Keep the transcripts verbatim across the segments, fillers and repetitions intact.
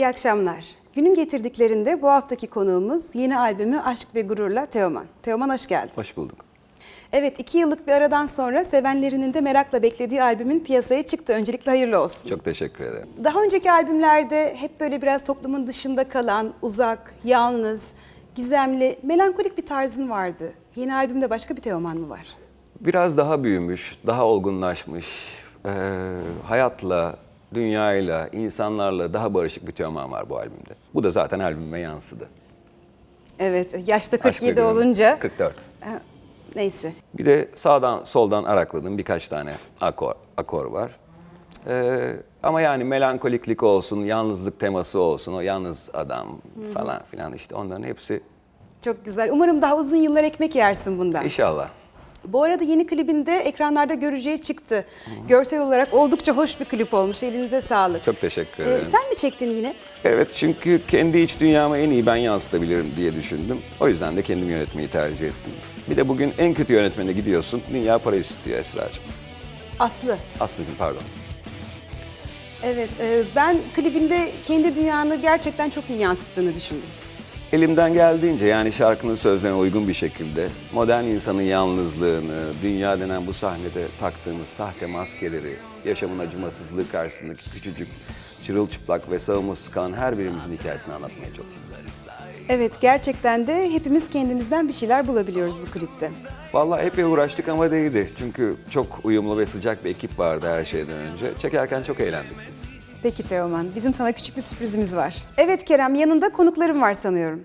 iyi akşamlar. Günün getirdiklerinde bu haftaki konuğumuz yeni albümü Aşk ve Gurur'la Teoman. Teoman hoş geldin. Hoş bulduk. Evet, iki yıllık bir aradan sonra sevenlerinin de merakla beklediği albümün piyasaya çıktı. Öncelikle hayırlı olsun. Çok teşekkür ederim. Daha önceki albümlerde hep böyle biraz toplumun dışında kalan, uzak, yalnız, gizemli, melankolik bir tarzın vardı. Yeni albümde başka bir Teoman mı var? Biraz daha büyümüş, daha olgunlaşmış, e, hayatla, dünyayla, insanlarla daha barışık bir Teoman var bu albümde. Bu da zaten albüme yansıdı. Evet, yaşta Aşk ve kırk yedi Gurur, olunca. kırk dört. Ha, neyse. Bir de sağdan soldan arakladığım birkaç tane akor, akor var. E, ama yani melankoliklik olsun, yalnızlık teması olsun, o yalnız adam falan filan işte onların hepsi Çok güzel. Umarım daha uzun yıllar ekmek yersin bundan. inşallah. Bu arada yeni klibinde ekranlarda göreceği çıktı. Hı-hı. Görsel olarak oldukça hoş bir klip olmuş. Elinize sağlık. Çok teşekkür Ee, ederim. sen mi çektin yine? Evet, çünkü kendi iç dünyamı en iyi ben yansıtabilirim diye düşündüm. O yüzden de kendim yönetmeyi tercih ettim. Bir de bugün en kötü yönetmene gidiyorsun. Dünya para istiyor Esra'cığım. Aslı. Aslı'cığım pardon. Evet, e, ben klibinde kendi dünyanı gerçekten çok iyi yansıttığını düşündüm. Elimden geldiğince yani şarkının sözlerine uygun bir şekilde modern insanın yalnızlığını, dünya denen bu sahnede taktığımız sahte maskeleri, yaşamın acımasızlığı karşısındaki küçücük, çırılçıplak ve savunmasız kalan her birimizin hikayesini anlatmaya çalıştım. Evet, gerçekten de hepimiz kendimizden bir şeyler bulabiliyoruz bu klipte. Vallahi epey uğraştık ama değdi. Çünkü çok uyumlu ve sıcak bir ekip vardı her şeyden önce. Çekerken çok eğlendik biz. Peki Teoman, bizim sana küçük bir sürprizimiz var. Evet Kerem, yanında konuklarım var sanıyorum.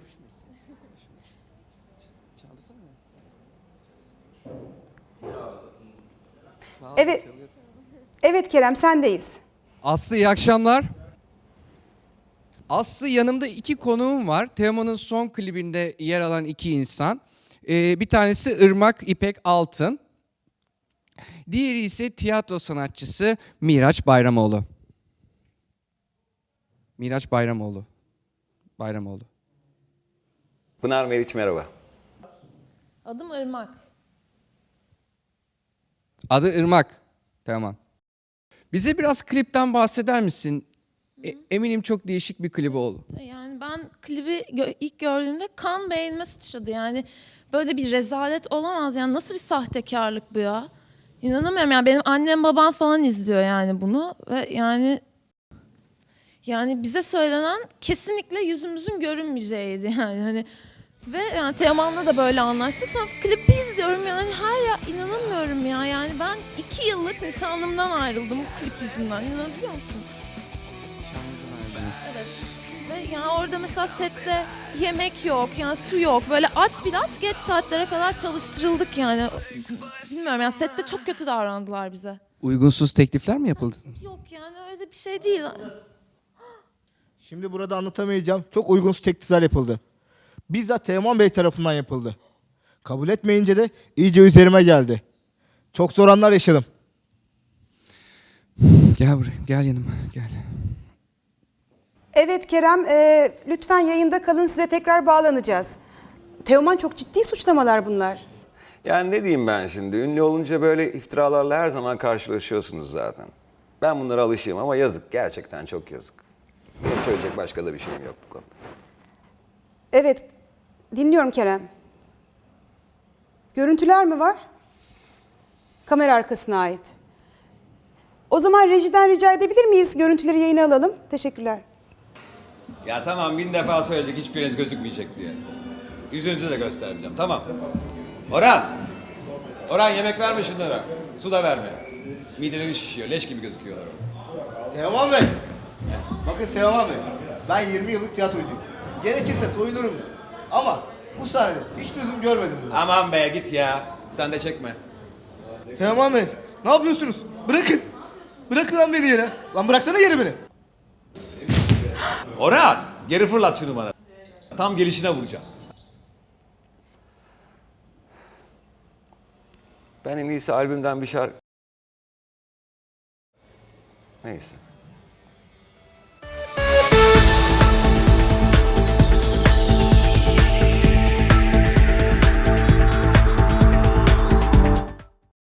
Evet, evet Kerem, sendeyiz. Aslı iyi akşamlar. Aslı yanımda iki konuğum var. Teoman'ın son klibinde yer alan iki insan. Ee, bir tanesi Irmak İpek Altın. Diğeri ise tiyatro sanatçısı Miraç Bayramoğlu. Miraç Bayramoğlu. Bayramoğlu. Pınar Meriç merhaba. Adım Irmak. Adı Irmak. Teoman. Bize biraz klipten bahseder misin? E, eminim çok değişik bir klibi oldu. Yani ben klibi gö- ilk gördüğümde kan beynime sıçradı. Yani böyle bir rezalet olamaz. Yani nasıl bir sahtekarlık bu ya? İnanamıyorum yani benim annem babam falan izliyor yani bunu ve yani yani bize söylenen kesinlikle yüzümüzün görünmeyeceğiydi yani hani ve yani Teoman'la da böyle anlaştık. Sonra klibi izliyorum yani her ya inanamıyorum ya yani ben iki yıllık nişanlımdan ayrıldım bu klip yüzünden. İnanabiliyor musun? Evet. Ve yani orada mesela sette yemek yok, yani su yok. Böyle aç bir aç geç saatlere kadar çalıştırıldık yani. Bilmiyorum yani sette çok kötü davrandılar bize. Uygunsuz teklifler mi yapıldı? Yok yani öyle bir şey değil. Şimdi burada anlatamayacağım. Çok uygunsuz teklifler yapıldı. Bizzat Teoman Bey tarafından yapıldı. Kabul etmeyince de iyice üzerime geldi. Çok zor anlar yaşadım. Gel buraya, gel yanıma, gel. Evet Kerem, e, lütfen yayında kalın, size tekrar bağlanacağız. Teoman, çok ciddi suçlamalar bunlar. Yani ne diyeyim ben şimdi? Ünlü olunca böyle iftiralarla her zaman karşılaşıyorsunuz zaten. Ben bunlara alışığım ama yazık. Gerçekten çok yazık. Benim söyleyecek başka da bir şeyim yok bu konuda. Evet, dinliyorum Kerem. Görüntüler mi var? Kamera arkasına ait. O zaman rejiden rica edebilir miyiz? Görüntüleri yayına alalım. Teşekkürler. Ya tamam bin defa söyledik hiçbiriniz gözükmeyecek diye. Yüzünüzü de göstermeyeceğim tamam. Orhan! Orhan yemek verme şunlara. Su da verme. Mideleri şişiyor leş gibi gözüküyorlar. Teoman Bey. Bakın Teoman Bey. Ben yirmi yıllık tiyatrocuydum. Gerekirse soyunurum. Ama bu sahnede hiç lüzum görmedim. Bunu. Aman be git ya. Sen de çekme. Teoman Bey. Ne yapıyorsunuz? Bırakın. Bırakın lan beni yere. Lan bıraksana yere beni. Orhan! Geri fırlat şunu bana. Tam gelişine vuracağım. Ben en iyisi albümden bir şarkı... Neyse.